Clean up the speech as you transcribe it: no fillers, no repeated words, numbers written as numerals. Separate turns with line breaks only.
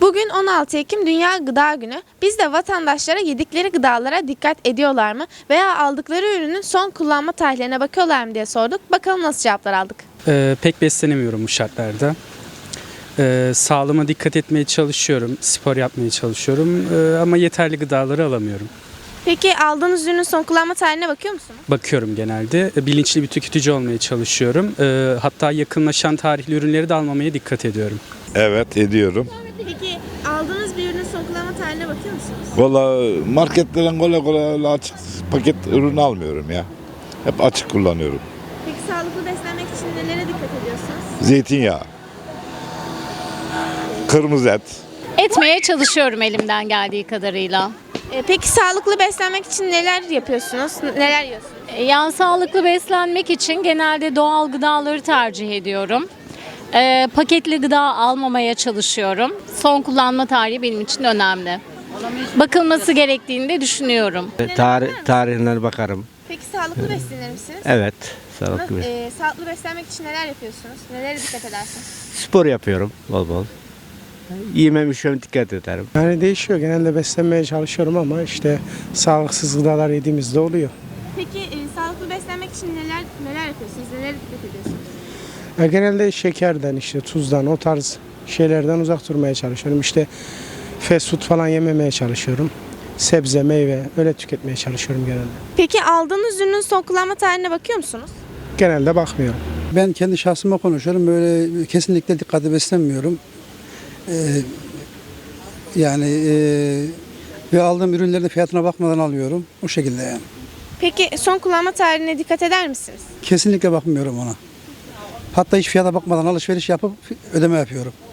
Bugün 16 Ekim Dünya Gıda Günü. Biz de vatandaşlara yedikleri gıdalara dikkat ediyorlar mı veya aldıkları ürünün son kullanma tarihlerine bakıyorlar mı diye sorduk. Bakalım nasıl cevaplar aldık.
Pek beslenemiyorum bu şartlarda. Sağlığıma dikkat etmeye çalışıyorum, spor yapmaya çalışıyorum ama yeterli gıdaları alamıyorum.
Peki aldığınız ürünün son kullanma tarihine bakıyor musunuz?
Bakıyorum genelde. Bilinçli bir tüketici olmaya çalışıyorum. Hatta yakınlaşan tarihli ürünleri de almamaya dikkat ediyorum.
Evet, ediyorum.
Peki aldığınız bir ürünün son kullanma tarihine bakıyor musunuz?
Valla marketlerden kolay öyle açık paket ürün almıyorum ya. Hep açık kullanıyorum.
Peki sağlıklı beslenmek için nelere dikkat ediyorsunuz?
Zeytinyağı, kırmızı et.
Etmeye çalışıyorum elimden geldiği kadarıyla.
Peki sağlıklı beslenmek için neler yapıyorsunuz? Neler yiyorsunuz?
Yani sağlıklı beslenmek için genelde doğal gıdaları tercih ediyorum. Paketli gıda almamaya çalışıyorum. Son kullanma tarihi benim için önemli. Bakılması gerektiğini de düşünüyorum.
Tarihine bakarım.
Peki sağlıklı beslenir misiniz?
Evet, sağlıklı.
Sağlıklı beslenmek için neler yapıyorsunuz? Nelere dikkat edersiniz?
Spor yapıyorum bol bol. Yemem içmem dikkat ederim.
Yani değişiyor. Genelde beslenmeye çalışıyorum ama işte sağlıksız gıdalar yediğimizde oluyor.
Peki sağlıklı beslenmek için neler yapıyorsunuz? Nelere dikkat ediyorsunuz?
Ya genelde şekerden, işte tuzdan, o tarz şeylerden uzak durmaya çalışıyorum. İşte fast food falan yememeye çalışıyorum. Sebze, meyve öyle tüketmeye çalışıyorum genelde.
Peki aldığınız ürünün son kullanma tarihine bakıyor musunuz?
Genelde bakmıyorum.
Ben kendi şahsıma konuşuyorum. Böyle kesinlikle dikkatli beslenmiyorum. Ve aldığım ürünlerin fiyatına bakmadan alıyorum. O şekilde yani.
Peki son kullanma tarihine dikkat eder misiniz?
Kesinlikle bakmıyorum ona. Hatta hiç fiyata bakmadan alışveriş yapıp ödeme yapıyorum.